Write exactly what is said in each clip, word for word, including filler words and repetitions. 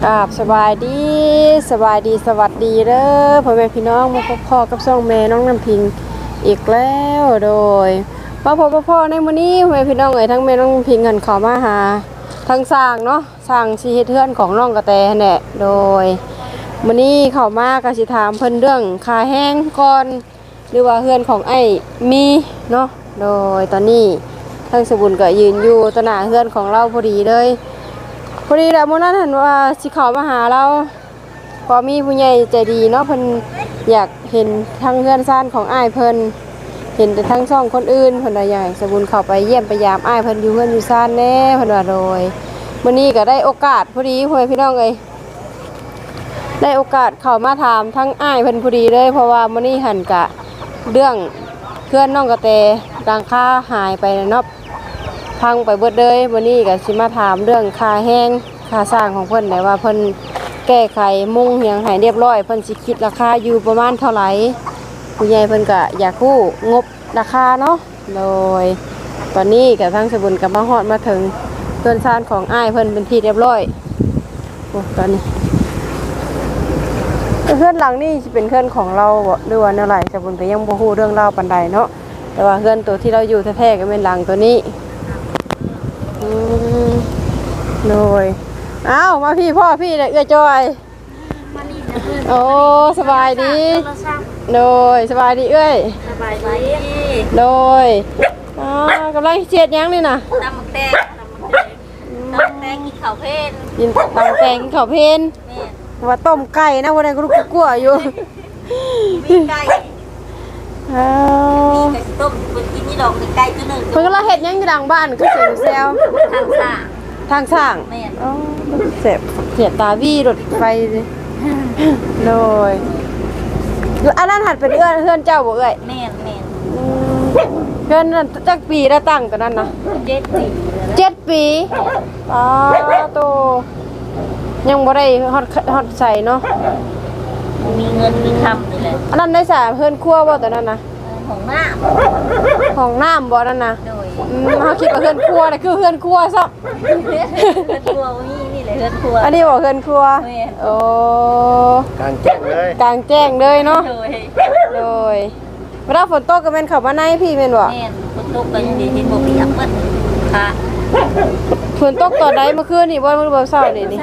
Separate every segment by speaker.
Speaker 1: กับสบายดีสบายดีสวัสดีเด้อพ่อแม่พี่น้องมาพบพ่อกับช่องแม่น้องน้ำพิงอีกแล้วโดยมาพบพ่อในมื้อนี้พ่อแม่พี่น้องเอ๋ยทั้งแม่น้องน้ำพิงกันเข้ามาหาทั้งสร้างเนาะสร้างชีเฮ็ดเฮือนของน้องกระแตแหละโดยมื้อนี้เข้ามาก็สิถามเพิ่นเรื่องค่าแห้งก่อนหรือว่าเฮือนของไอ้มีเนาะโดยตอนนี้ทั้งสบุญก็ยืนอยู่ต่อหน้าเฮือนของเราพอดีเลยพอดีแล้วมื้อนั้นเห็นว่าสิเข้ามาหาเราพอมีผู้ใหญ่ใจดีเนาะเพิ่นอยากเห็นทั้งเฮือนซ่านของอ้ายเพิ่นเห็นแต่ทั้งช่องคนอื่นเพิ่นว่าใหญ่สบุญเข้าไปเยี่ยมไปยามอ้ายเพิ่นอยู่เฮือนอยู่ซ่านแน่เพิ่นว่าโดยมื้อนี้ก็ได้โอกาสพอดีพ่อแม่พี่น้องเอ้ยได้โอกาสเข้ามาถามทั้งอ้ายเพิ่นพอดีเลยเพราะว่ามื้อนี้หันกะเรื่องเพื่อนน้องกระแตดังค่าหายไปเนาะพังไปเบิดเลยวันนี้ก็สิมาถามเรื่องค่าแห้งค่าสร้างของเพิ่นได้ว่าเพิ่นแก้ไขมุงเหียงให้เรียบร้อยเพิ่นสิคิดราคาอยู่ประมาณเท่าไหร่ผู้ใหญ่เพิ่นก็อยากรู้งบราคาเนาะโดยตอนนี้ก็ทั้งสบุญกับมาฮอดมาถึงเพื่อนซ่านของอ้ายเพิ่นเป็นที่เรียบร้อยโอ้ตอนนี้เพื่อนหลังนี่สิเป็นเพื่อนของเราบ่หรือว่าแนวไหนสบุญก็ยังบ่ฮู้เรื่องราวปานใดเนาะแต่ว่าเพื่อนตัวที่เราอยู่แท้ๆก็เป็นหลังตัวนี้อืมโดยอ้าวมาพี่พ่อพี่เนี่ยเอื้อจอยโอ้สบายดีโดยสบายดีเอ้ย
Speaker 2: สบายดี
Speaker 1: โดยอ๋อกำลังเจ็ดยังนี่นะ
Speaker 2: ตำหมักแตงตำหมักแตงกินข้าวเพลน
Speaker 1: กินตำแตงกินข้าวเพลนว่าต้มไก่นะวันนี้ก็ลูกกลัวอยู่
Speaker 2: มีไก่
Speaker 1: อ้า
Speaker 2: มีไก่ต้มคนกินนี่ดอกไก่ตัวหนึ่ง
Speaker 1: เพิ่นก็ละเฮ็ดยังอยู่ดังบ้านคือเสียงแซว
Speaker 2: ทางสร้าง
Speaker 1: ทางสร้างอ๋อเสียบเสียตาวี่รถไฟโดยอันนั้นหัดเป็นเอื้อนเฮือนเจ้าบ่เอ้ย
Speaker 2: แม่นแม่น
Speaker 1: เฮือนนั้นจักปีแล้วตั้งตัวนั้นนะ
Speaker 2: เจ็ดปี
Speaker 1: เจ็ดปีอ๋อโตยังบ่ได้ฮอดฮอดใส่เนาะ
Speaker 2: มีเงินมีคำนี่แหละ
Speaker 1: อันนั้นได้สาเฮือนครัวบ่ตัวนั้นนะ
Speaker 2: ของน้
Speaker 1: ำของน้ำบ่นั่นนะ
Speaker 2: โดย
Speaker 1: อืมเฮาคิดว่าเฮือนครัวน่ะคือเฮือนครัวซะ
Speaker 2: เฮือนครัวนี่นี่แหละเฮือนครัว
Speaker 1: อันนี้บ่เฮือนครัวโอ้
Speaker 3: กลางแจ้งเลย
Speaker 1: กลางแจ้งเลยเนาะ
Speaker 2: โดย
Speaker 1: โดยเวลาฝนตกก็แม่นเข้ามาในพี่แม่นบ่
Speaker 2: แม่นฝนตกก็ยังดีเห็นบ่เปียกเบิดค่ะ
Speaker 1: ฝนตกตอนใดเมื่อคืนนี่บ่มื้อบ่เช้านี่นี่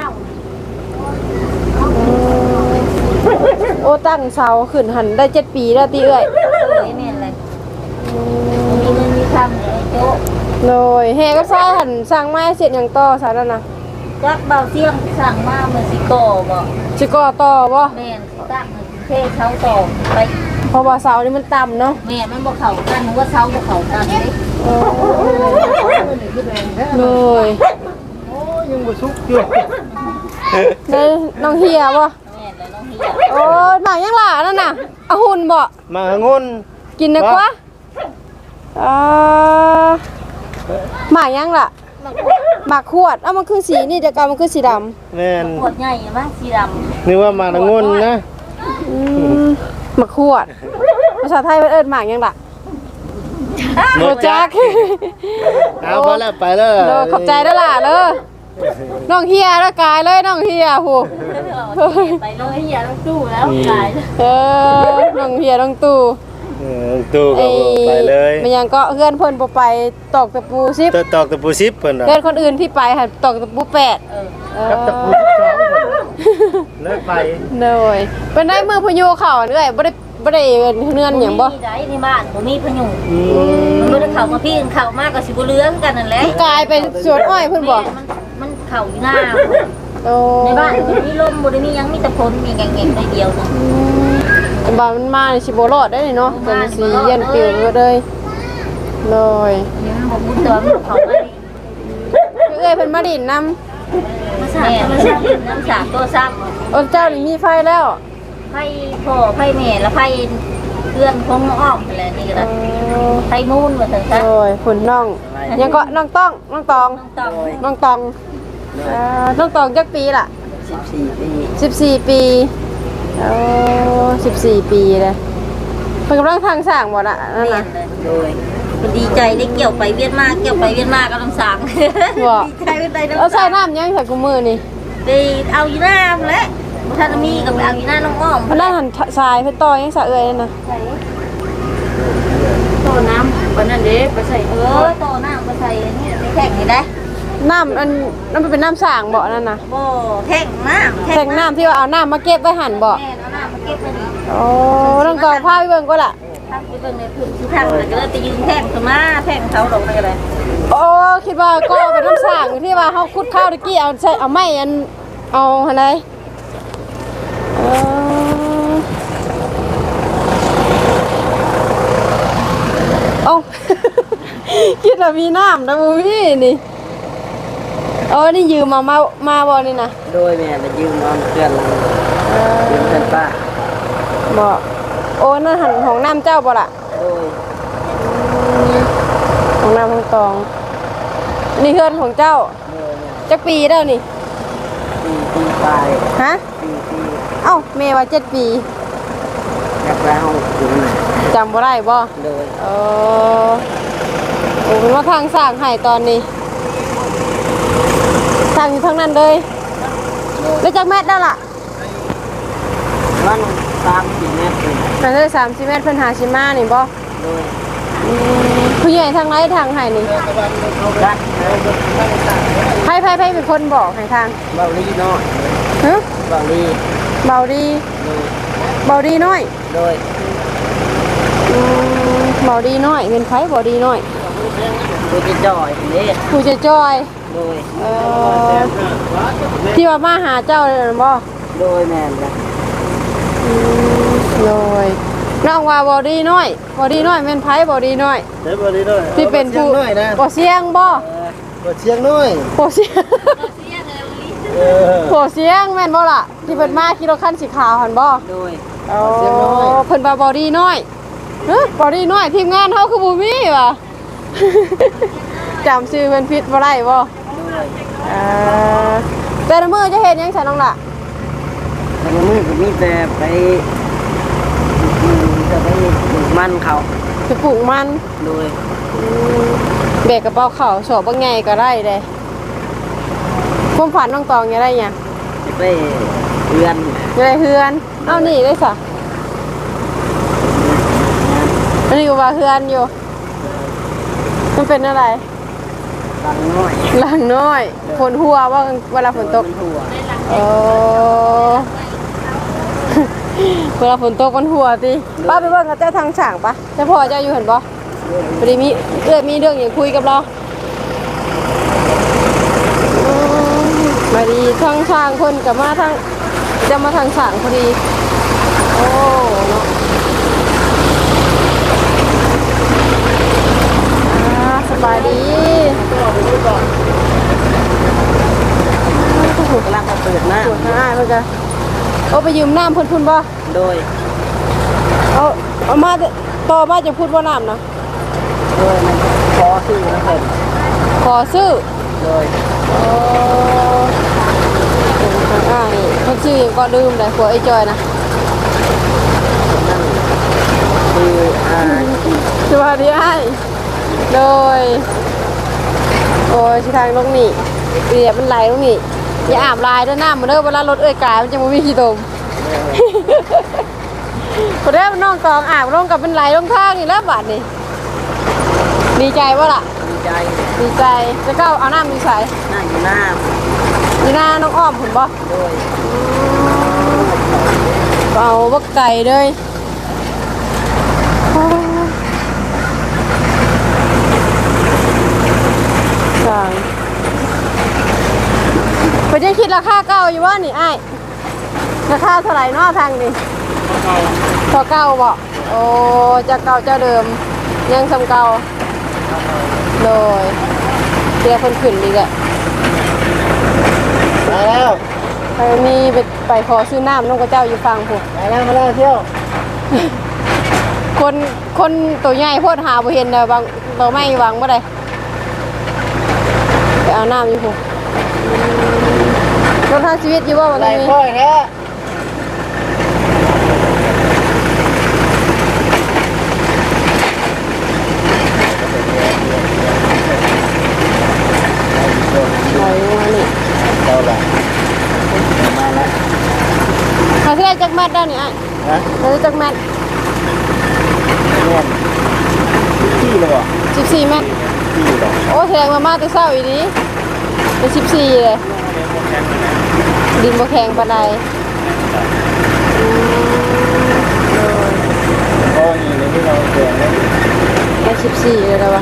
Speaker 1: โอ้ตั้งเสาขึ้นหันได้เจ็ดปีแล้วติเอ้ย
Speaker 2: โดยแม่นเลยมีเงินมีคำเลยโจ๊ะ
Speaker 1: โดยเฮก็ซ่าหันสร้างไม้เสร็จหยังต่อซะนั่นน่ะ
Speaker 2: จักเบาเสียงสั่งมาเมื่อสิโกบ่
Speaker 1: สิก่อต่อบ่
Speaker 2: แม่นตั้งเทเขาต่อไป
Speaker 1: เพราะว่าเสานี่มันต่ำเนาะ
Speaker 2: แม่มันบ่เข้ากันนึกว่าเสาบ่เข้ากันเด้
Speaker 1: โดย
Speaker 3: โอ้ยังบ่สุกอยู่
Speaker 1: เด้น้องเฮียบ่
Speaker 2: แม่นแล้วน้องเฮีย
Speaker 1: โอ้ยหมากยังล่ะนั่นน่ะเอาหุ่นบ่
Speaker 3: มางน
Speaker 1: กินได้กว่าอ่าหมากยังล่ะหมากขวดเอ้ามันคือสีนี่แต่ก่อนมันคือสีดำ
Speaker 3: แม่น
Speaker 2: ขวดใหญ่มั้งสีดำ
Speaker 3: นึกว่ามางนนะ
Speaker 1: อืมหมากขวดภาษาไทยเพิ่นเอิ้นหมากยังล่ะโมจัก
Speaker 3: เอาพอแล้วไปแล้ว
Speaker 1: โดขอบใจเด้อล่ะเด้อน้องเฮียแล้วกายเลยน้องเฮียโห
Speaker 2: ไปเลยเฮียต้องตู้แล้วกาย
Speaker 1: เออน้องเฮียน้องตู้
Speaker 3: เออตู้ก็ไปเลย
Speaker 1: มันยังก็เพื่อนเพิ่นบ่ไปตอกตะปูสิบ
Speaker 3: ตอกตะปูสิบเพิ่นน่ะ
Speaker 1: เพื่อนคนอื่นที่ไปหั่นตอกตะปูแปดเออ
Speaker 3: กับตะปูสิบสองเลิกไป
Speaker 1: เลยเป็นได้มือพยูเข้าเอ้ยบ่ได้บ่ได้เฮือนหยังบ่
Speaker 2: มีได้ในบ้านบ่มีพยุงมันบ่ได้เข้ามาพี่เข้ามาก็สิบ่เหลืองกันนั่นแหละ
Speaker 1: กลายเป็นสวนอ้อยเพิ่นบ่
Speaker 2: มันมันเข้าอยู่หน้า
Speaker 1: โอ้
Speaker 2: ในบ้านบ่มีลมบ่ได้มีหยังมีแต่ฝนมีแง่ๆได้เดียวนึง
Speaker 1: บ้านมันมาสิบ่รอดได้เนาะแต่มันสิเย็นปิวเลยเลย
Speaker 2: ยังบ่มุดตัวมันเข้ามาดิ
Speaker 1: เอ้ยเพิ่นมาดินนำ
Speaker 2: มาสาดมาสาดน้ำสาดตัวซ้ำ
Speaker 1: โอ้เจ้านี่มีไฟแล้ว
Speaker 2: ไฟพ่อไฟแม่แล้วไฟเพื่อนคงอ้อมอะไรนี่ก็ได้ไฟมูนว่าซั่นซะ
Speaker 1: โอ้ยคุณน้องยังก็น้องต้องน้องตองน้องตองเอ่อน้องตองจักปีล่ะ
Speaker 3: สิบสี่ปี
Speaker 1: สิบสี่ปีโอ้สิบสี่ปีเลยเพิ่นกำลังทางสร้างบ่ล่ะนั่นน่ะ
Speaker 2: โดยดีใจได้เกี่ยวไปเวียนมาเกี่ยวไปเวียนมาก็ต้องสร้าง
Speaker 1: บ่ดีใจเป็นไดเนาะเอาใส่น้ำยังใส่กุมือนี่
Speaker 2: ไปเอาอยู่หน้าแหละท่านมีกับไปเอาอยู่หน้าน้องอ้อม
Speaker 1: เพนด้านหันทรายเพิ่นต่อยังสะเอ่ยนั่นน่ะ
Speaker 2: โตน้ำวันนั้นเด้ไปใส่เออโตน้ำไปใส่นี่ไปแท่งนี่ได้
Speaker 1: น้ำอันนั่นมันเป็นน้ำสร้างบ่นั่นน่ะ
Speaker 2: บ่แท่งน้ำ
Speaker 1: แทงน้ำที่ว่าเอาน้ำมาเก็บไว้หั่นบ่
Speaker 2: แม่เอาน้ำมาเก็บไว้นี่
Speaker 1: โอ้น้องกองพาไปเบิ่งก็ล่ะ
Speaker 2: ทำไปเบิ่งในพื้นที่ทางเลยก็เลยไปยืนแท่งขึ้นมาแท่งเขาลงไปกันเลย
Speaker 1: โอ้คิดว่าก็เป็นน้ำสร้างที่ว่าเฮาขุดข้าวตะกี้เอาใส่เอาไม้อันเอาหั่นเลยเออเอ้า คิดว่ามีน้ำนะบ่มีนี่โอ้นี่ยืมมามามาบ่นี่นะ
Speaker 3: โดยแม่ไปยืมนอนเพื่อนเรายืมเพื่อนป้า
Speaker 1: บ่โอ้นั่นหันของน้ำเจ้าบ่ล่ะ
Speaker 3: โดย
Speaker 1: ของน้ำของตอง นี่เฮือนของเจ้า
Speaker 3: โดยแม่
Speaker 1: จักปีแล้วนี่
Speaker 3: ปีปีปลาย
Speaker 1: ฮะ
Speaker 3: ปีปี
Speaker 1: เอ้าเมว่าเจ็ดปี
Speaker 3: อยากแล้วถึงไหน
Speaker 1: จำบ่ได้บ่
Speaker 3: โดย
Speaker 1: เออโอ้เป็นว่าทางสร้างให้ตอนนี้สร้างอยู่ทางนั้นเลยแล้วจักแมตรได้ล่ะ
Speaker 3: วันสามสี่เมตร
Speaker 1: น่าจะสามสิบเมตรเพิ่นหาชิมานี่บ่
Speaker 3: โดย
Speaker 1: อืมผู้ใหญ่ทางไหนทางให้นี่
Speaker 3: กัด
Speaker 1: ไผไผไผเป็นคนบอกให้ทาง
Speaker 3: เบาลีน้อย
Speaker 1: ฮะ
Speaker 3: เบาลี
Speaker 1: เบาดี
Speaker 3: โดย
Speaker 1: เบาดีน้อย
Speaker 3: โดย
Speaker 1: อืมเบาดีน้อยเป็นไผเบาดีน้อย
Speaker 3: กูจะจ่อยเด้
Speaker 1: ผู้จะจอย
Speaker 3: โดย
Speaker 1: เอ่อที่ว่ามาหาเจ้าเลยนะบ่
Speaker 3: โดยแม่นนะ
Speaker 1: โดยน้องว่าบอดี้น้อยบอดี้น้อยแม่นไผบอดี้น้อย
Speaker 3: เด้บ่ลีน้อย
Speaker 1: ที่เป็นผู้
Speaker 3: น้อยนะ
Speaker 1: บ่เสียงบ่
Speaker 3: บ่เชียงน้อย
Speaker 1: บ่เสียง
Speaker 3: เออ
Speaker 1: บ่เสียงแม่นบ่ล่ะที่เพิ่นมาขี่รถคันสีขาวหั่นบ่
Speaker 3: โดย
Speaker 1: อ๋อเพิ่นว่าบอดี้น้อยเฮ้ยบอดี้น้อยทีมงานเฮาคือบ่มีว่ะ จำชื่อเพิ่นผิดบ่ได้บ่
Speaker 3: โดย
Speaker 1: เอ่อแต่ละมื้อจะเฮ็ดหยังซั่นน้องล่ะ
Speaker 3: แต่ละมื้อก็มีแต่ไปอืมจะไปปลูกมันเขา
Speaker 1: ไปปลูกมัน
Speaker 3: โดย
Speaker 1: อืมแบกกระเป๋าข้าวสอบบ่ไงก็ได้เด้ความฝันน้องตองอยากได้หยัง
Speaker 3: จะไปเรือน
Speaker 1: อยากได้เฮือน เอานี่ได้ซะอันนี้ก็ว่าเฮือนอยู่ มันเป็นอะไร
Speaker 3: บางน้อย
Speaker 1: หลังน้อยฝนหัวว่าเวลาฝนตก
Speaker 3: มันหัว
Speaker 1: เออ เวลาฝนตกมันหัวติป้าไปเบิ่งกับเจ้าทางฉางปะเจ้าพ่อเจ้าอยู่เห็นบ่พอดีมีเอื้อมีเรื่องอย่างคุยกับเราอืมมาดีทางช่างคนกับมาทางจะมาทางฉางพอดี โอ้เนาะอ่าสบายดี
Speaker 3: กำลังมาเปิดหน้า
Speaker 1: ปวดหน้าเพื่อนกันเอาไปยืมน้ำเพุ่นพุ่นบ่
Speaker 3: โดย
Speaker 1: เอาเอามาต่อมาจะพูดว่าน้ำนะ
Speaker 3: โดยมันขอซื้อมาเสร็จ
Speaker 1: ขอซื้อ
Speaker 3: โดย
Speaker 1: โอ้เป็นทางอ้างนี่เพิ่นชื่อหยังก็ลืมเลยผัวไอ้จอยนะ
Speaker 3: นั่นคืออ่า
Speaker 1: สวัสดีไอ้ายโดยโอ้ยชิทางลงนี่เปียกมันไหลลงนี่อย่าอาบลายด้วยน้ำมันเด้อเวลารถเอ้ยกายมันจะบ่มีขี้ตม พอได้น้องกองอาบลงกับเป็นไหลลงทางนี่แล้วบาดนี่ดีใจว่าล่ะ
Speaker 3: ดีใจ
Speaker 1: ดีใจจะก้าเอาน้ำมีใส่
Speaker 3: หน้าอยู่หน้า
Speaker 1: มีหน้าน้องอ้อมผมบ่
Speaker 3: โดย
Speaker 1: เอาบักไก่เลยสั่งเพิ่นยังคิดราคาเก่าอยู่ว่านี่อ้ายราคาเท่าไหร่เนาะทางนี่เท่าเก่าบ่โอ้เจ้าเก่าเจ้าเดิมยังซ้ำเก่าโดยเดี๋ยวเพิ่นขึ้นอีกอะ
Speaker 3: มาแล้ว
Speaker 1: ไปมีไปไปขอซื้อน้ำน้องกระเจ้าอยู่ฟังผม
Speaker 3: มาแล้วมาแล้วเที่ยว
Speaker 1: คนคนตัวใหญ่โพดหาบ่เห็นเด้อบางเราไม่วางบ่ได้ไปเอาน้ำอยู่ผมรถทางชีวิตอยู่ว่าวัน
Speaker 3: ไหล
Speaker 1: นี้
Speaker 3: ค่อยแท้
Speaker 1: ไหนมานี่
Speaker 3: เราละ
Speaker 1: สิได้จักแมตได้นี่อ้าย
Speaker 3: ฮะ
Speaker 1: ได้จักแมต
Speaker 3: แม่นที่เลยบ่
Speaker 1: สิบสี่แมต
Speaker 3: ที่ดอก
Speaker 1: โอ้แสดงว่ามาแต่เช้าอีนี้เป็นสิบสี่เลยดินบ่แข็งปานใดอืม
Speaker 3: โอ้ยในที่เราเกิดแล้ว
Speaker 1: ได้สิบสี่เลยแล้ววะ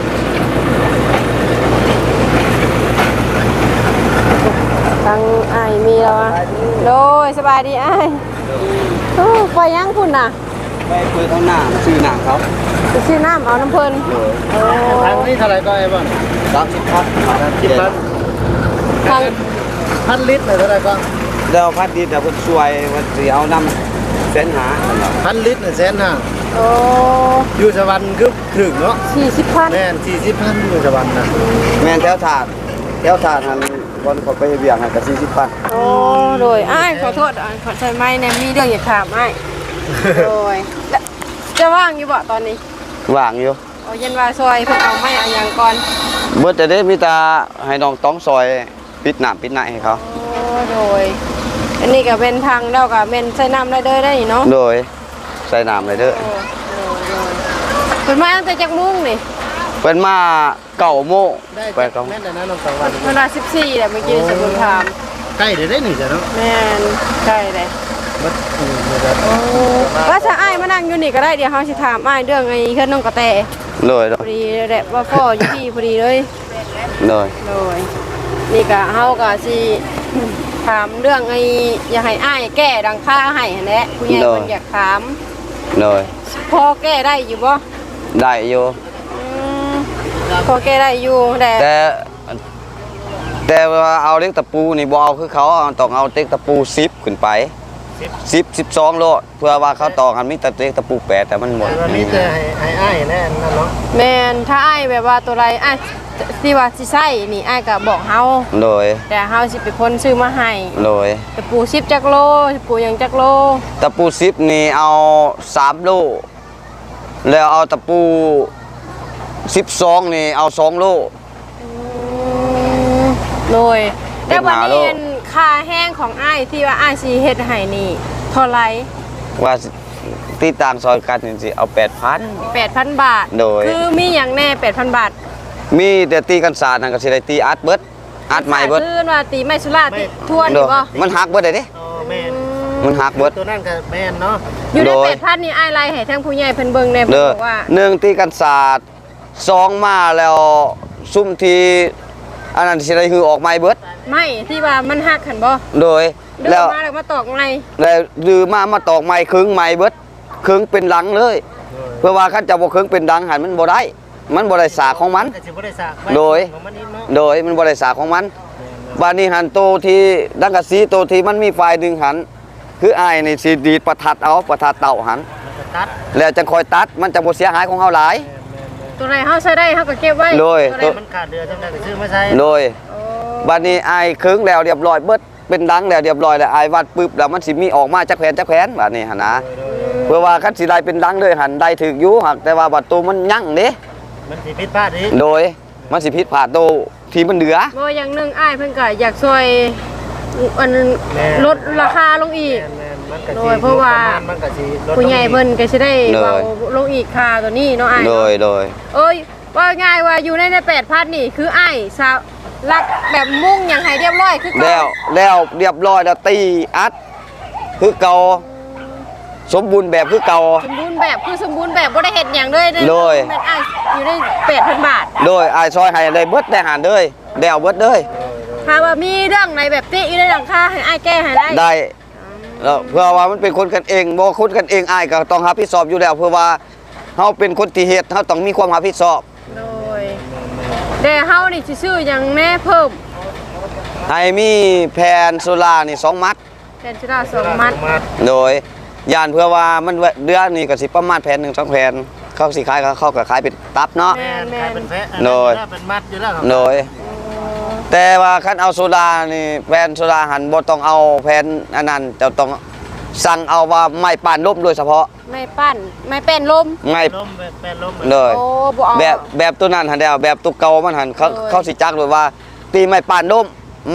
Speaker 1: ทั้งอ้ายมีแล้ววะโดยสบายดีอ้ายโอ้ไปยังคุณน่ะ
Speaker 3: ไปคุยข้างหน้าชื่อหน้าเขา
Speaker 1: ไปซื้อน้ำเอาน้ำเพิ่นโอ้
Speaker 3: ทางนี้เท่าไหร่ก็ไอ้บ้างสามสิบพันสามสิบพัน
Speaker 1: ทาง
Speaker 3: พันลิตรเท่าไหร่ก็แล้วพันลิตรแต่คนช่วยมันสิเอานำเส้นหาพันลิตรเนี่ยเส้นหา
Speaker 1: โอ้
Speaker 3: อยู่สวรรค์คือถึงเนาะ
Speaker 1: สี่สิบพัน
Speaker 3: แม่นสี่สิบพันอยู่สวรรค์นะแม่นแถวถาดแถวถาดหันวันขอไปเบียงหันกับสี่สิบพัน
Speaker 1: โอ้โดยอ้ายขอโทษอ้ายขอใช้ไม้แนมมีเรื่องอยากถามอ้ายโดยแล้วจะว่างอยู่บ่ตอนนี้
Speaker 3: ว่างอยู่
Speaker 1: เอาเย็นว่าซอยเพิ่นเอาไม้เอาหยังก่อน
Speaker 3: เบิดแต่ได้มีตาให้น้องต้องซอยปิดหนามปิดไหนให้เขา
Speaker 1: โอ้โดยอันนี้ก็เป็นทางแล้วก็เป็นใช้น้ำได้เด้อได้เนาะ
Speaker 3: โดยใส่น้ำเลยเด้อ
Speaker 1: โอ้โดยโดยเพิ่นมาตั้งแต่จักโมุ้งนี่
Speaker 3: เป็นมาเก่าโม่ไปเก่า
Speaker 4: แม่นแต่นะน้องสองวัน
Speaker 1: เวลาสิบสี่แหละเมื่อกี้สกุลถาม
Speaker 4: ใกล้เดี๋ยวได้หนึ่งจ้ะเนาะ
Speaker 1: แม่นใช่เลย
Speaker 4: มัดอืมเดี๋ยวจะ
Speaker 1: โอ้ว่าถ้าอ้ายมานั่งอยู่นี่ก็ได้เดี๋ยวเฮาสิถามอ้ายเรื่องไอ้เครื่องน้องกระแต
Speaker 3: เลย
Speaker 1: พอดีแหละว่าพ่ออยู่ที่พอดีเลย
Speaker 3: เลย
Speaker 1: โดยนี่ก็เฮาก็สิถามเรื่องไอ้อยากให้อ้ายแก้ดังค่าให้หั่นแหละผู้ใหญ่เพิ่นอยากถาม
Speaker 3: เลย
Speaker 1: พอแก้ได้อยู่บ่
Speaker 3: ได้อยู่
Speaker 1: อืมพอแก้ได้อยู่แต่
Speaker 3: แต่แต่ว่าเอาเล็กตะปูนี่บ่เอาคือเขาเอาต้องเอาเล็กตะปูสิบขึ้นไปสิบสิบสองโลเพื่อว่าเขาต่อกันมีแต่เล็กตะปูแปดแต่มันหมด
Speaker 4: วันนี้จะให้ให้อ้ายแน่นั่นเนาะ
Speaker 1: แม่นถ้าอ้ายแบบว่าตัวไรอ้ายสิว่าสิใช้นี่อ้ายก็บอกเฮา
Speaker 3: เลย
Speaker 1: แต่เฮาสิเป็นคนซื้อมาให้
Speaker 3: เลย
Speaker 1: ตะปูสิบจักโลตะปูหยังจักโล
Speaker 3: ตะปูสิบนี่เอาสามโลแล้วเอาตะปูสิบสองนี่เอาสองโล
Speaker 1: อืมโดย
Speaker 3: เป็
Speaker 1: แต่
Speaker 3: น
Speaker 1: วัน
Speaker 3: หา
Speaker 1: นี้
Speaker 3: โล
Speaker 1: อันค่าแห้งของอ้ายที่ว่าอ้ายสิเฮ็ดให้นี่เท่าไหร่
Speaker 3: ว่าตีต่างซอยกันนี่สิเอาแปดพัน
Speaker 1: แปดพัน บาท
Speaker 3: โดย
Speaker 1: คือมีหยังแน่ แปดพัน บาท
Speaker 3: มีแต่ตีกันศาสตร์นั่นก็สิได้ตีอัดเบิดอัดใหม่เบิด
Speaker 1: คือว่าตีไม้สุราติทวน
Speaker 3: โด
Speaker 1: นี่
Speaker 3: ย
Speaker 1: บ่
Speaker 3: มันหักเบิดได้เด้
Speaker 4: อ๋อแม่น
Speaker 3: มันหักเบิด
Speaker 4: ตัวนั่นก็แม่นเนาะ
Speaker 1: อยู่ใน
Speaker 3: โดย
Speaker 1: แปดพันนี่อ้ายไล่ให้ทั้งผู้ใหญ่เพิ่นเบิ่งแน่เพิ่น
Speaker 3: เด้อ
Speaker 1: บอกว่า
Speaker 3: หนึ่งตีกันศาสตร์สองมาแล้วซุ่มทีอันนั้นสิได้คือออกใหม่เบิด
Speaker 1: ไม่ที่ว่ามันหักหันบ่
Speaker 3: โดย
Speaker 1: เดิ
Speaker 3: แล้
Speaker 1: น
Speaker 3: ว
Speaker 1: มาแล้วมาตอกไง
Speaker 3: แล้วดือมามาตอกใหม่ครึ่งใหม่เบิดครึ่งเป็นหลังเลย เพื่อว่าคันจะบ่ครึ่งเป็นดังหันมันบ่ได้ มันบ่ได้สากของมัน
Speaker 4: ก็สิบ่ได้สาก
Speaker 3: โดย
Speaker 4: ของมันนิดเนาะ
Speaker 3: โดยมันบ่ได้สากของมันบาดนี้หันโตที่ดังกะสีโตที่มันมีไฟดึงหัน คืออ้ายนี่สิดีดประทัดเอาประทัดเต่าหัน
Speaker 4: มันก็ตัด
Speaker 3: แล้วจังคอยตัดมันจะบ่เสียหายของเฮาหลาย
Speaker 1: ตัวไหนเฮาใช้ได้เฮาก็เก็บไว้
Speaker 3: โดย
Speaker 1: ตัวไหน
Speaker 4: มันขาดเรือจังได๋ก็ซื้อมาใช้
Speaker 3: โดย
Speaker 1: โอ้
Speaker 3: บัดนี้อ้ายครึ่งแล้วเรียบร้อยเบิดเป็นดังแล้วเรียบร้อยแล้วอ้ายวัดปึ๊บแล้วมันสิมีออกมาจักแผ่นจักแผ่นบัดนี้หั่นนะเพื่อว่าคันสิได้เป็นดังเลยหันได้ถึกอยู่หักแต่ว่าบัดตูมันยั่งเด้
Speaker 4: มันสิผิดพลาดอีก
Speaker 3: โดยมันสิผิดพลาดโตที่มันเหลือ
Speaker 1: บ่อย่างหนึงอ้ายเพิ่นก็อยากช่วยอันลดราคาลงอีก
Speaker 4: แม่นๆมันก็
Speaker 1: โด
Speaker 4: สิ
Speaker 1: ยเพราะว่า
Speaker 4: มันก็สิลดลง
Speaker 1: ผู้ใหญ่เพิ่นก็สิได้
Speaker 3: โดย
Speaker 1: เบาลงอีกค่าตัวนี้เนาะอ้าย
Speaker 3: โดยโดย
Speaker 1: เอ้ยว่าง่ายว่าอยู่ในในแปดพันนี่คืออ้ายสาวรักแบบมุ่งหยังให้เรียบร้อยคือก่อน
Speaker 3: แล้วแล้วเรียบร้อยแล้วตีอัดคือเก่าสมบูรณ์แบบคือเก่า
Speaker 1: สมบูรณ์แบบคือสมบูรณ์แบบบ่ได้เฮ็ดหยังเลยเด้
Speaker 3: โดย
Speaker 1: เป็นอ้ายอยู่ในแปดพัน บาท
Speaker 3: โดยอ้ายซอยให้ได้เบิดได้หันเลยแล้วเบิดเลย
Speaker 1: ถ้าว่ามีเรื่องไหนแบบติอยู่ในหลังคาให้อ้ายแก้ให้ได้
Speaker 3: ได้แล้วเพื่อว่ามันเป็นคนกันเองบ่คนกันเองอ้ายก็ต้องรับผิดชอบอยู่แล้วเพื่อว่าเฮาเป็นคนที่เฮ็ดเฮาต้องมีความรับผิดชอบ
Speaker 1: โดยแต่เฮานี่สิซื้อหยังแน่เพิ่ม
Speaker 3: ให้มีแผ่นโซล่านี่สองมัด
Speaker 1: แทนชิราสองมัด
Speaker 4: มัด
Speaker 3: โดยย่านเพื่อว่ามันเดือนนี่ก็สิประมาณแผ่นหนึ่งสองแผ่นเขาสิขายเขาก็ขายเป็นตับเนาะ
Speaker 4: แม่นขายเป็นแพะ
Speaker 3: โดย
Speaker 4: เป็นมัดอยู่แล้วครับ
Speaker 3: โดยแต่ว่าคันเอาโซดานี่แผ่นโซดาหันบ่ต้องเอาแผ่นอันนั้นจะต้องสั่งเอาว่าไม้ป่านลมโดยเฉพาะ
Speaker 1: ไม่ปั้นไม่เป็นลม
Speaker 3: ไม้
Speaker 4: ล้มแบบแม่นล้ม
Speaker 3: เลย
Speaker 1: โอ้บ่เอา
Speaker 3: แบบแบบตัวนั้นหันแล้วแบบตัวเก่ามันหันเขา
Speaker 1: โดย
Speaker 3: เขาสิจักเลยว่า ตีไม้ป่านลมมัด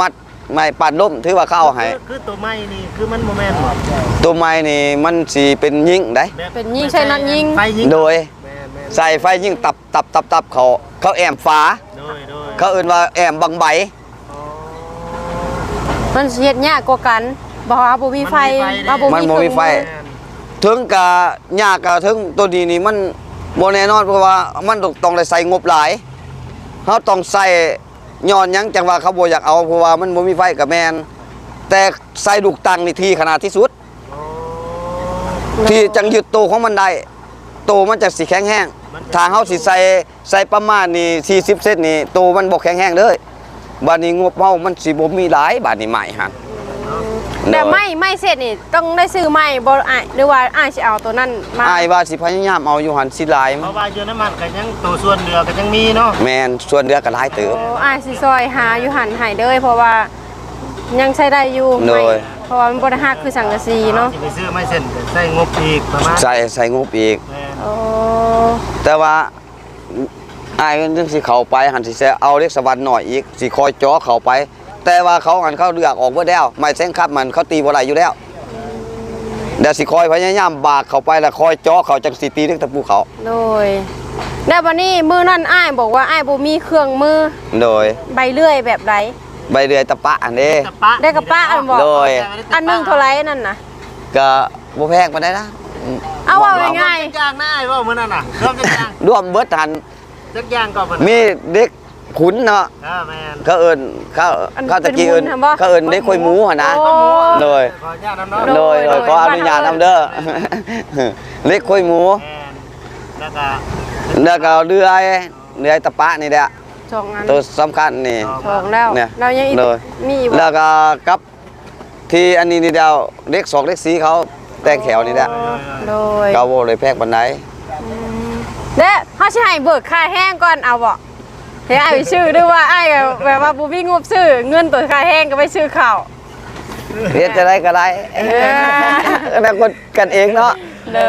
Speaker 3: ไม้ปัดล่มถือว่าเขาเอาให้
Speaker 4: คือคือตัวไม้นี่คือมันโมเมนต์หมด
Speaker 3: ตัวไม้นี่มันสิเป็นยิงได้
Speaker 1: เป็นยิงใช้นักยิง
Speaker 4: ไฟยิง
Speaker 3: โดย
Speaker 4: แม่นแม่น
Speaker 3: ใส่ไฟยิงตับตับตับตับเขาเขาแอมฟ้า
Speaker 4: โดยโดย
Speaker 3: เขาเอื่นว่าแอมบังใบ
Speaker 4: อ๋อ
Speaker 1: มันสิเฮ็ดยากกว่ากันบ่ว่าบ่มีไฟ
Speaker 4: มันมีไฟ
Speaker 1: ว่าบ่มี
Speaker 3: มันบ่มีไฟ
Speaker 1: เครื่อง
Speaker 4: แม่น
Speaker 3: ถึงกะยากกะถึงตัวนี้นี่มันบ่แน่นอนเพราะว่ามันต้องได้ใส่งบหลายเขาต้องใส่ย้อนหยังจังว่าเขาบ่อยากเอาเพราะว่ามันบ่มีไฟกับแมนแต่ใส่ลูกตังนี่ทีขนาดที่สุด
Speaker 4: อ๋อ
Speaker 3: ที่จังยึดโตวของมันได้โตวมันจะสิแข็งแห้งถ้าเฮาสิใส่ใส่ประมาณนี่สี่สิบเซนนี่โตวมันบ่แข็งแห้งเลยบัดนี้งบเฮามันสิบ่มีหลายบัดนี้ใหม่ฮะ
Speaker 1: แต่ไม่ไม่เสร็จนี่ต้องได้ซื้อใหม่บ่อ้ายหรือว่าอ้ายสิเอาตัวนั้นมา
Speaker 3: อายว่าสิพยายามเอาอยู่หันสิหลาย
Speaker 4: เพราะว่าอยู่น้ำมันก็ยังตัวส่วนเหลือก็ยังมีเนาะ
Speaker 3: แม่นส่วนเหลือก็หลายเติบ
Speaker 1: โอ้อ้ายสิซอยหาอยู่หันให้เด้อเพราะว่ายังใช้ได้อยู่
Speaker 3: โดย
Speaker 1: ไม่เพราะว่ามันบ่ได้ฮักคือสังกะสีเนาะ
Speaker 4: สิไปซื้อไม้เส้นก็ใส่งบอีกประมาณ
Speaker 3: ใส่ใส่งบอีก
Speaker 4: แม่น
Speaker 1: โอ้
Speaker 3: แต่ว่าอายนึงสิเข้าไปหันสิเอาเล็กสวรรค์หน่อยอีกสิคอยจ่อเข้าไป แต่ว่าเขาหันเขาเลือกออกเบิดแล้วไม่แซงคับมันเขาตีบ่ได้อยู่แล้วเดี๋ยวสิคอยพยายามบากเข้าไปแล้วคอยจ่อเขาจังสิตีเล็กตะปูเขา
Speaker 1: โดยแล้ววันนี้มื้อนั้นอ้ายบอกว่าอ้ายบ่มีเครื่องมือ
Speaker 3: โดย
Speaker 1: ใบเลื่อยแบบใด
Speaker 3: ใบเดือยตะปะอันนี้
Speaker 4: ตะปะ
Speaker 1: ได้กับป้าอันบอก
Speaker 3: โดย
Speaker 1: อันหนึงเท่าไหร่นั่นน่ะ
Speaker 3: ก็บ่แพงปานใดนะ
Speaker 1: เอาว่าง่าย
Speaker 4: จักอย่างหน้าไอ้ว่ามื้อนั้นน่ะเริ่มจักอย่าง
Speaker 3: รวมเบิดหัน
Speaker 4: จักอย่างก็เพิ่น
Speaker 3: มีเด็กขุนเนาะ
Speaker 4: อ่าแม่น
Speaker 3: เขาเอิ้นเขาเขาตะกี้เอิ้นเขาเอิ้นเด็กคอยหมูหั่นนะ
Speaker 1: โอ้
Speaker 3: โดย
Speaker 4: ขออนุญาตนำเนาะ
Speaker 3: โดยโดยขออนุญาตนำเด้อ เล็กคอยหมู
Speaker 4: แม่นแล้วก็
Speaker 3: แล้วก็เรือยเรือยตะปะนี่แหละ
Speaker 1: สองอัน
Speaker 3: ตัวสำคัญนี่
Speaker 1: สองแล้ว
Speaker 3: เนี่ย
Speaker 1: เรายังอีก
Speaker 3: โดย
Speaker 1: มีอีก
Speaker 3: แล้วก็กับที่อันนี้นี่เดียวเล็กสองเล็กสีเขาแต่งแขวนี่แหละ
Speaker 1: โดย
Speaker 3: เกาโบเลยแพกบันได
Speaker 1: เด้เฮาสิให้เบิกค่าแห้งก่อนเอาบ่เฮ้ยอ้ายไปซื้อด้วยว่าอ้ายก็แบบว่าบ่มีงบซื้อเงินตัวค่าแห้งก็ไปซื้อข้าว
Speaker 3: เรียนจะได้ก็ได้แล้วคนกันเองเนาะ
Speaker 1: เลย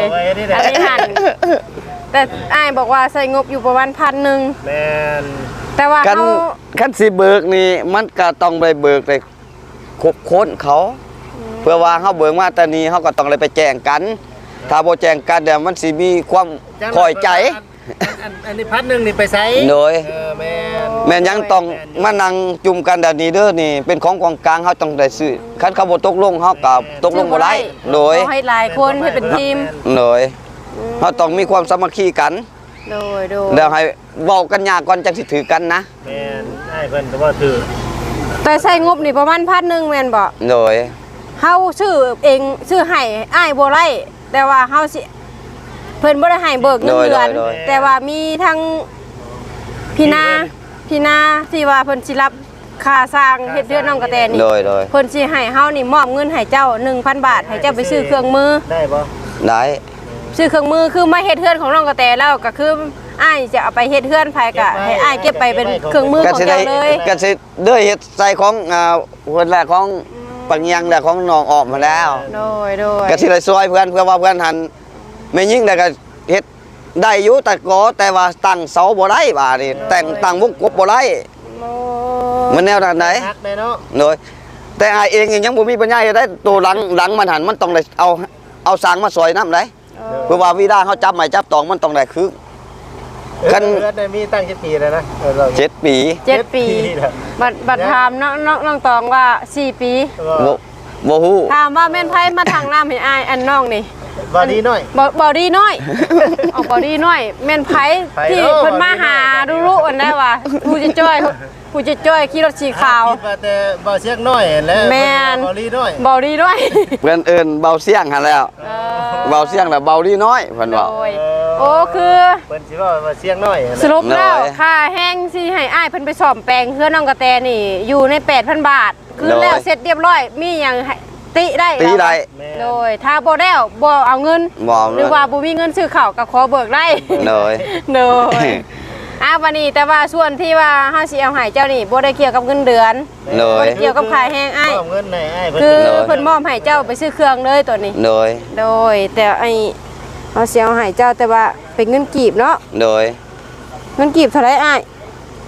Speaker 4: ไว้นี่แหละ
Speaker 1: อันนี้หันแต่อ้ายบอกว่าใส่งบอยู่ประมาณพันหนึ่ง
Speaker 4: แม่น
Speaker 1: แต่ว่า
Speaker 3: กัน
Speaker 1: เขา
Speaker 3: กันสิเบิกนี่มันก็ต้องไปเบิกเลยครบค้นเขา เพื่อว่าเขาเบิกมาแตอนนี้เขาก็ต้องเลยไปแจ้งกัน ถ้าบ่แจ้งกันเดี๋ยวมันสิมีความคอยใจ
Speaker 4: อันอันนี้พัดหนึงนี่ไปใช้
Speaker 3: โดย
Speaker 4: เออแม่น
Speaker 3: แม่นยังต้องมานั่งจุ่มกันแบบนี้เด้อนี่เป็นของกองกลางเขาต้องได้ซื้อคันเขาบ่ตกลงเขาก็ตกลงบ่ได้โดย
Speaker 1: เขาให้หลายคนให้เป็นทีม
Speaker 3: โดยเขาต้องมีความสามัคคีกัน
Speaker 1: โดยโดย
Speaker 3: แล้วให้เว้ากันยากก่อนจังสิถือกันนะ
Speaker 4: แม่นให้เพิ่นก็ว่าถือ
Speaker 1: แต่ใส่งบนี่ประมาณพันหนึ่งแม่นบ่
Speaker 3: โดย
Speaker 1: เฮาซื้อเองซื้อให้อ้ายบ่ไล่แต่ว่าเฮาสิเพิ่นบ่ได้ให้เบิกเงินเดือนแต่ว่ามีทั้งพี่นาพี่นาที่ว่าเพิ่นสิรับค่าสร้างเฮ็ดเรือนน้องกระแตนี่
Speaker 3: โดยโดย
Speaker 1: เพิ่นสิให้เฮานี่มอบเงินให้เจ้า หนึ่งพัน บาทให้เจ้าไปซื้อเครื่องมือ
Speaker 4: ได้บ่
Speaker 3: ได้
Speaker 1: ซื้อเครื่องมือคือมาเฮ็ดเรือนของน้องกระแตแล้วก็คืออ้ายจะเอาไปเฮ็ดเรือนภายก็ให้อ้ายเก็บไปเป็นเครื่องมือ
Speaker 3: ก็
Speaker 1: ของ
Speaker 3: สิได้
Speaker 1: เจ้าเลย
Speaker 3: ก็สิเด้อเฮ็ดใส่ของอ่าเพิ่นแหละของปังยังแหละของน้องออกมาแล้ว
Speaker 1: โดยโดย
Speaker 3: ก็สิได้ซอยเพื่อนเพื่อว่าเพื่อนหันแม่ยิ่งได้ก็เฮ็ดได้อยู่แต่ก็แต่ว่าตั้งเสาบ่ได้บาดนี่แต่งตั้งวงกบบ่ได้
Speaker 1: โอ้
Speaker 3: มันแนวด้านไหน
Speaker 4: ฮักได้เนาะ
Speaker 3: โดยแต่อายเองยังบ่มีปัญญาจะได้ตัวหลังหลังมันหันมันต้องได้เอาเอาสางมาซอยน้ำได้เพื่อว่าวิดาเขาจับไม้จับตองมันต้องได้คือ กัน
Speaker 4: เดือนได้มีตั้งกี่ปีแล้วนะเออเรา
Speaker 3: เจ็ดปี
Speaker 1: เจ็ดปี
Speaker 4: แล้ว
Speaker 1: บัดบัดถามน้องน้องน้องตองว่าสี่ปี
Speaker 3: บ่บ่ฮู้
Speaker 1: ถามว่าแม่นไผมาทางน้ำให้อ้ายอันน้องนี่
Speaker 4: บอดีหน่อย
Speaker 1: บ่บ่ดีน้อย เอาบ่ดีน้อยแม่นไผ
Speaker 4: ไผ
Speaker 1: ที่
Speaker 4: เนาะ
Speaker 1: เพิ่นมาหาดูรู้อันได้ว่าผู้จะจ้อยผู้จะจ้อยขี่รถสีขาว
Speaker 4: คิดว่าแต่บ่เสียงน้อยแล้ว
Speaker 1: แม่น
Speaker 4: บอดีน้อย
Speaker 1: บ่ดีน้อย
Speaker 3: เพื่อนเอิ้นเบาเสียงหันแล้ว
Speaker 1: เออ
Speaker 3: เบาเสียงแล้วเบาดีน้อยเพิ่นว่า
Speaker 1: โดยโอ้คือ
Speaker 4: เพิ่นสิว่าว่าเสียงน้อย
Speaker 1: สรุปแล้ว
Speaker 3: น้อย
Speaker 1: ค่าแห้งสิให้อ้ายเพิ่นไปซ่อมแปลงเพื่อน้องกระแตนี่อยู่ใน แปดพัน บาท คือ
Speaker 3: น้อย
Speaker 1: แล้วเสร็จเรียบร้อยมีหยังให้ติได้
Speaker 3: ตีได้
Speaker 1: โดยถ้าบ่แล้วบ่เอาเงิน
Speaker 3: บ่
Speaker 1: หรือว่าบ่มีเงินซื้อข้าวก็ขอเบิกได้
Speaker 3: โดย
Speaker 1: โดยอ่ะวันนี้แต่ว่าส่วนที่ว่าเฮาสิเอาให้เจ้านี่บ่ได้เกี่ยวกับเงินเดือน
Speaker 3: โด
Speaker 1: บ่
Speaker 3: ย
Speaker 1: ได้เกี่ยวกับค่าแห้งอ้าย
Speaker 4: มอบเงินให้อ้ายเพิ่น
Speaker 1: คือ
Speaker 3: โดย
Speaker 1: เพิ่นมอบให้เจ้าไปซื้อเครื่องเลยตัวนี้
Speaker 3: โดย
Speaker 1: โดยแต่ไอ้เฮาสิเอาให้เจ้าแต่ว่าเป็นเงินกีบเนาะ
Speaker 3: โดย
Speaker 1: เงินกีบเท่าไหร่อ้าย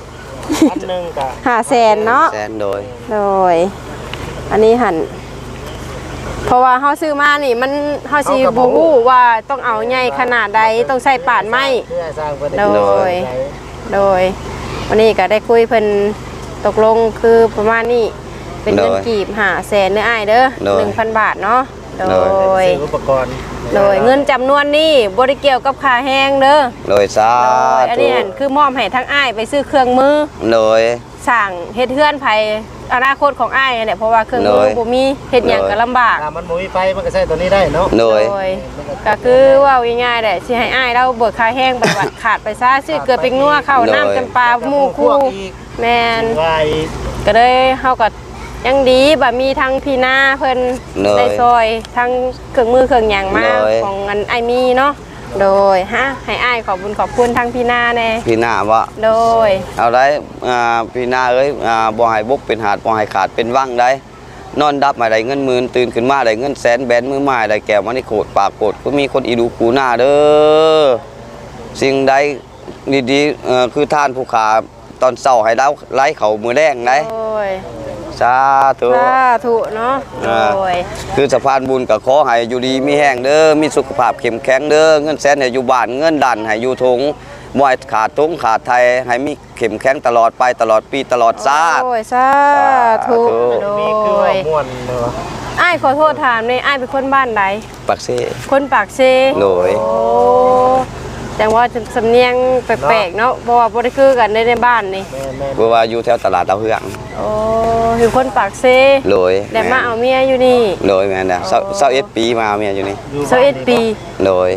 Speaker 4: อันหนึงก็
Speaker 1: ห้าแสนเนาะ
Speaker 3: แสนโดย
Speaker 1: โดยอันนี้หันเพราะว่าเฮาซื้อมานี่มันเฮาสิบ่ฮู้ว่าต้องเอาใหญ่ขนาดใดต้องใส่ปาดไม้
Speaker 4: เพื่อสร้างเพิ่น
Speaker 1: โดย โดยวันนี้ก็ได้คุยเพิ่นตกลงคือประมาณนี้เป็นเงินกีบห้าแสนเด้ออ้ายเด้อ หนึ่งพัน บาทเนาะโดย
Speaker 4: ซื้ออุปกรณ์
Speaker 1: โดยเงินจำนวนนี้บ่ได้เกี่ยวกับค่าแห้งเด้อ
Speaker 3: โดยสา
Speaker 1: โดยอัน
Speaker 3: ธุ
Speaker 1: นี้หั่นคือมอบให้ทั้งอ้ายไปซื้อเครื่องมือ
Speaker 3: โดย
Speaker 1: สั่งเฮ็ดเฮือนภายอนาคตของอ้ายเนี่ยเพราะว่าเครื่องมือ
Speaker 3: โดย
Speaker 1: บ่มีเฮ็ดหยังก็ลำบาก
Speaker 4: ถ้ามันบ่มีไฟมันก็ใช้ตัวนี้ได้เนาะ
Speaker 3: โดย
Speaker 1: ก็คือว่าง่ายๆแหละสิให้อ้ายเราเบิกค่าแห้งบัดบัดขาดไปซะซื้อเกลือเป็นนัวข้าวน้ำจำปาหมู่คู่แม่น
Speaker 4: ว่าอีก
Speaker 1: ก็เลยเฮาก็ยังดีบ่มีทั้งพี่นาเพิ่น
Speaker 3: โดย
Speaker 1: ได้ซอยทั้งเครื่องมือเครื่องหยังมา
Speaker 3: โดย
Speaker 1: ของอันอ้ายมีเนาะโดยฮะให้อ้ายขอบบุญขอบคุณทั้งพี่นาแน่
Speaker 3: พี่หน้าว่า
Speaker 1: โดย
Speaker 3: เอาได้อ่าพี่หน้าเอ้ยอ่าบ่ให้บกเป็นหาดบ่ให้ขาดเป็นว่างได้นอนดับมาได้เงินหมื่นตื่นขึ้นมาได้เงินแสนแบนมือไม้ได้แก้วมันนี่โคตรปากโคตรก็มีคนอีดูคูหน้าเด้อสิ่งใดดีๆเอ่อคือท่านผู้ขาตอนเช้าให้เราไล่เขามือแดงได้
Speaker 1: โดย
Speaker 3: สาธุ
Speaker 1: สาธุเนาะโดย
Speaker 3: คือสะพานบุญก็ขอให้อยู่ดีมีแห้งเด้อมีสุขภาพเข้มแข็งเด้อเงินแสนให้อยู่บ้านเงินดันให้อยู่ทงบ่ให้ขาดทงขาดไทยให้มีเข้มแข็งตลอดไปตลอดปีตลอดชาติ
Speaker 1: โอ้ยสาธุ
Speaker 3: สาธุ
Speaker 1: โด
Speaker 4: มีคือว่าย ม่วนเนาะ
Speaker 1: อ้ายขอโทษถามในอ้ายเป็นคนบ้านใด
Speaker 3: ปักเซ่
Speaker 1: คนปากเซ
Speaker 3: โดย
Speaker 1: โอ้แต่ว่าจะสำเนียงแปลกๆเนาะเพราะว่าบ่ได้คือกันในในบ้านนี่
Speaker 4: แม่แม่
Speaker 3: เพราะว่าอยู่แถวตลาดดาวเฮือง
Speaker 1: โอ้อยู่คนปากเซ
Speaker 3: โดย
Speaker 1: แต่มาเอาเมียอยู่นี่
Speaker 3: โดยแม่นน่ะเศร้าเอ็ดปีมาเมียอยู่นี่
Speaker 1: สิบเอ็ดปี
Speaker 3: โดย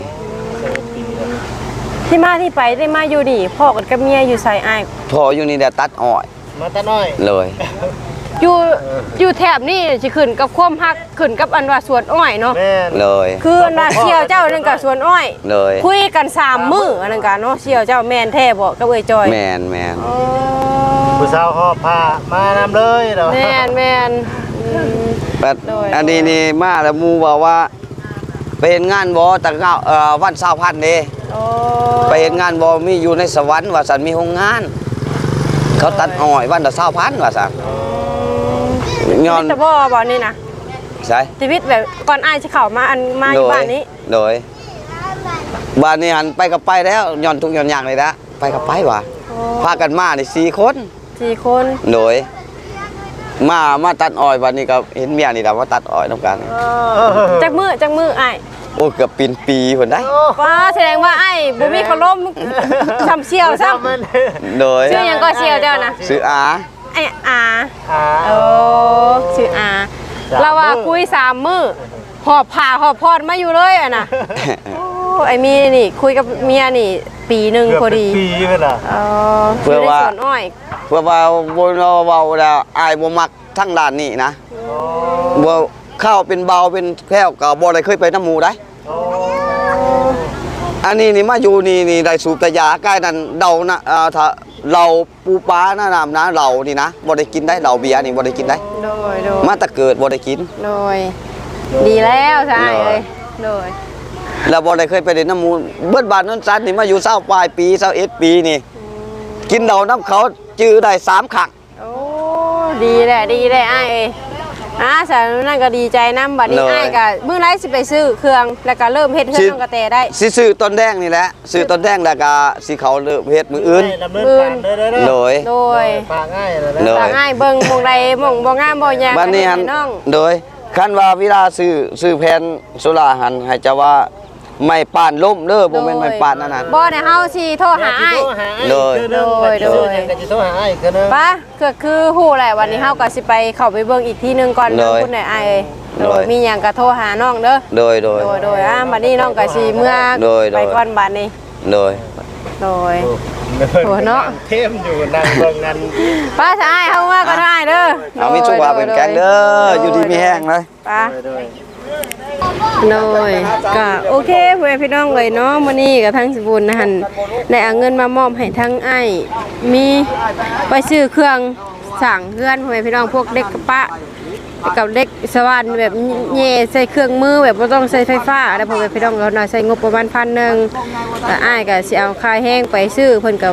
Speaker 1: ที่มาที่ไปได้มาอยู่นี่พ่อกันกับเมียอยู่ไสอ้าย
Speaker 3: พออยู่นี่เดี๋ยวตัดอ้อย
Speaker 4: มาตะน้อย
Speaker 3: เลย
Speaker 1: อยู่อยู่แถบนี่สิขึ้นกับความฮักขึ้นกับอันว่าสวนอ้อยเนาะ
Speaker 4: แม่น
Speaker 3: เลย
Speaker 1: คืออันว่าเชี่ยวเจ้านั่นกับสวนอ้อย
Speaker 3: เลย
Speaker 1: คุยกันสามมื้ออันนั้นกันเนาะเชี่ยวเจ้าแม่นแท้บ่กับเอ้ยจอย
Speaker 3: แมนแมน
Speaker 1: อ๋อ
Speaker 4: ผู้สาวหอบผ้ามานำเลยเนาะ
Speaker 1: แม่นแม่นอืม
Speaker 3: แต่
Speaker 1: โดย
Speaker 3: อันนี้นี่มาแล้วหมูบอกว่า ไปเห็นงานบ่แต่เก้าเอ่อวันเสาร์พันเด้
Speaker 1: โอ้
Speaker 3: ไปเห็นงานบ่มีอยู่ในสวรรค์ว่าสันมีโรงงาน เขาตัดอ้อยวันละเสาร์พันว่าสันย้อน
Speaker 1: ชีวิตแต่บ่บ่นี่นะ
Speaker 3: ใช่
Speaker 1: ชีวิตแบบก่อนอ้ายสิเข้ามาอันมาอยู่บ้านนี้
Speaker 3: โดยบ้านนี้หันไปกับไปแล้วย้อนทุกย้อนอย่างเลยนะไปกับไปว่ะ
Speaker 1: โอ้
Speaker 3: พากันมานี่สี่คน
Speaker 1: สี่คน
Speaker 3: โดย มามาตัดอ้อยวันนี้ก็เห็นเมียนี่แหละว่าตัดอ้อยน้ำกัน
Speaker 1: จักมื้อจักมื้ออ้าย
Speaker 3: โอ้เกือบปีนปีผลได้
Speaker 1: ว้าแสดงว่าอ้ายบ่มีขลมซ้ำเชี่ยวซ้ำ
Speaker 4: มัน
Speaker 3: โดย
Speaker 1: ชื่อหยังก็เชี่ยวเจ้านะ
Speaker 3: ซื้ออา
Speaker 1: ไอ้อา
Speaker 4: อ่า
Speaker 1: โอ้ชื่ออา
Speaker 4: สาม
Speaker 1: เราว่า
Speaker 4: มื้อ
Speaker 1: คุยสามมื้อหอบผ่าหอบพอดมาอยู่เลยอ่ะนะโอ้ไอ้มีนี่คุยกับเมียนี่ ปีหนึ่ง
Speaker 4: เกือบ
Speaker 1: พอ
Speaker 4: เป็น
Speaker 1: ดี
Speaker 4: ปีเพิ่นล่ะ
Speaker 1: เอออยู่ในสวนอ้อย
Speaker 3: เพื่อว่าบนเราเบาแล้วอายบ่มักทั้งด้านนี้นะบ่เข้าเป็นเบาเป็นแค่วก็บ่ได้เคยไปน้ำหมูได้
Speaker 4: โอ้
Speaker 3: อันนี้นี่มาอยู่นี่นี่ได้สูบแต่ยาใกล้นั้นเดานะเอ่อถ้าเราปูปลาหน้าน้ำนะเรานี่นะบ่ได้กินได้เราเบียร์นี่บ่ได้กินได้
Speaker 1: โดยโดย
Speaker 3: มาแต่เกิดบ่ได้กิน
Speaker 1: โดยดีแล้วใช่เลยโดย
Speaker 3: แล้วบ่ได้เคยไปเล่นน้ำหมูเบิดบานนั้นซันนี่มาอยู่เศร้าปลายปีเศร้าเอ็ดปีนี่ กินเดาน้ำเขาจื้อได้สามครั้ง
Speaker 1: โอ้ดีแหละดีแหละไอ้ายเอ้ยอ่าสาวนั่นก็ดีใจน้ำบัดนี้
Speaker 3: เลย
Speaker 1: ไอ้ายก็มื้อไรสิไปซื้อเครื่องแล้วก็เริ่มเฮ็ดเครื่องน้องกระแตได้
Speaker 3: สิซื้อต้นแดงนี่แหละซื้อต้นแดงแล้วก็สิเขาเลิกเฮ็ดมืออื่น
Speaker 4: ดำเนินการเด้อเด้อเด้อ
Speaker 3: โดย
Speaker 1: โดย
Speaker 4: ฝากง่ายเลย
Speaker 3: โด
Speaker 4: นะ
Speaker 3: ย
Speaker 1: ต่างง่ายเบิ่งหมองใดหมองบ่งามบ่ยาก
Speaker 3: บัดนี้หัน
Speaker 1: ให้น้อง
Speaker 3: โดยคันว่าเวลาซื้อซื้อแผ่นโซล่าหันให้จะว่าไม่ป่านล่มเด้อบ่แม่นไม่ป่านนั่นน่ะ
Speaker 1: บ่ได้เฮาสิโทรหาอ้าย
Speaker 3: โดย
Speaker 1: โดยโดย
Speaker 4: ก็จะโทรหาอ้ายคือนึง
Speaker 1: ป้าก็คือฮู้แหละวันนี้เฮาก็สิไปเข้าไปเบิ่งอีกทีหนึงก่อน
Speaker 3: โด
Speaker 1: เด้อย คุณนายอ้ายเอ้ยโด
Speaker 3: โด
Speaker 1: ย
Speaker 3: ย
Speaker 1: มีหยังก็โทรหาน้องเด้อ
Speaker 3: โดยโดย
Speaker 1: โดยโดยอ่ะบัดนี้น้องก็สิเมื่อ
Speaker 3: โดยโดย
Speaker 1: ไปก่อนบัดนี้
Speaker 3: โดย
Speaker 1: โดย โอ้เนาะ
Speaker 4: เทมอยู่นั่งเบิ่งนั้น
Speaker 1: ป้าจะอ้ายเฮามาก็ได้เด้อ
Speaker 3: เอามีสุขภาพเป็นแกงเด้ออยู่ดีมีแห้งเลย
Speaker 1: ป้า
Speaker 4: โดย
Speaker 1: โดยก็โอเคเพื่อนพี่น้องเลยเนาะมื้อนี้ก็ทั้งสิบุญนะหั่นได้เอาเงินมามอบให้ทั้งอ้ายมีไปซื้อเครื่องสั่งเพื่อนเพื่อนพี่น้องพวกเด็กกระปะกับเด็กสวรรค์แบบแย่ใส่เครื่องมือแบบบ่ต้องใช้ไฟฟ้าแล้วพ่อแม่พี่น้องเขาน่ะใช้งบประมาณพันหนึ่งแต่อ้ายก็สิเอาค่าแห้งไปซื้อเพิ่นกับ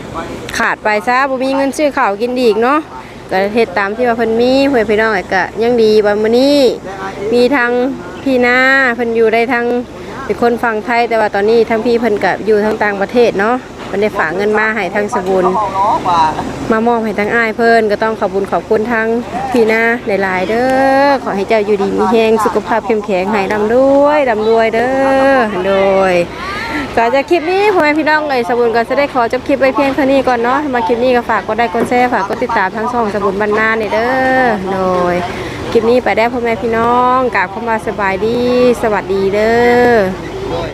Speaker 1: ขาดไปซะบ่มีเงินซื้อข้าวกินอีกเนาะก็เฮ็ดตามที่ว่าเพิ่นมีเพื่อนพี่น้องก็ยังดีว่ามื้อนี้มีทางพี่นาเพิ่นอยู่ได้ทางเป็นคนฝั่งไทยแต่ว่าตอนนี้ทั้งพี่เพิ่นก็อยู่ทางต่างประเทศเนาะเพิ่นได้ฝากเงินมาให้ทางสบุญมามอบให้ทางอ้ายเพิ่นก็ต้องขอบคุญขอบคุณทางพี่นาหลายๆเด้อขอให้เจ้าอยู่ดีมีแรงสุขภาพเข้มแข็งให้ร่ำรวยร่ำรวยเด้อโดยก็จากคลิปนี้พ่อแม่พี่น้องเลยสบุญก็จะได้ขอจบคลิปไว้เพียงเท่านี้ก่อนเนาะมาคลิปนี้ก็ฝากกดไลค์กดแชร์ฝากกดติดตามทั้งช่องสบุญบรรณาเนี่ยเด้อโดยคลิปนี้ไปได้พ่อแม่พี่น้องกราบเข้ามาสบายดีสวัสดีเด้อ